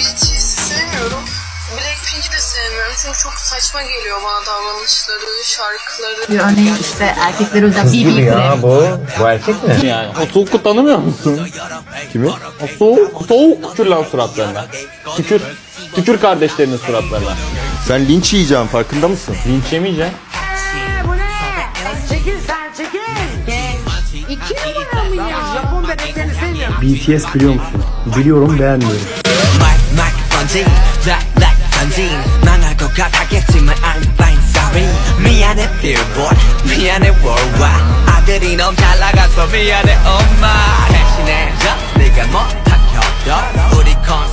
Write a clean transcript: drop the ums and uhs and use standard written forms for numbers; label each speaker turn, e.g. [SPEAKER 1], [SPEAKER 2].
[SPEAKER 1] BTS'i sevmiyorum. Blackpink'i de sevmiyorum çünkü çok saçma geliyor bana davranışları, şarkıları.
[SPEAKER 2] Yani işte erkekler özel
[SPEAKER 3] Kız gibi
[SPEAKER 2] BB
[SPEAKER 3] ya
[SPEAKER 2] krem.
[SPEAKER 3] bu erkek mi?
[SPEAKER 4] Yani o soğuku tanımıyor musun?
[SPEAKER 3] Kimi?
[SPEAKER 4] O soğuk tükür lan suratlarına. Tükür kardeşlerinin suratlarına.
[SPEAKER 3] Sen linç yiyeceksin farkında mısın?
[SPEAKER 4] Linç yemeyeceksin.
[SPEAKER 5] Bu ne? Çekil sen çekil. 2 numara mı ya? Japon bebeklerini sevmiyorum.
[SPEAKER 6] BTS biliyor musun? Biliyorum, beğenmiyorum.
[SPEAKER 7] 막 번진 black 번진 망할 것 같았겠지만 I'm fine sorry 미안해 billboard 미안해 worldwide 아들이 너무 잘 나가서 미안해 엄마 대신해줘 네가 못한 협력 우리 컨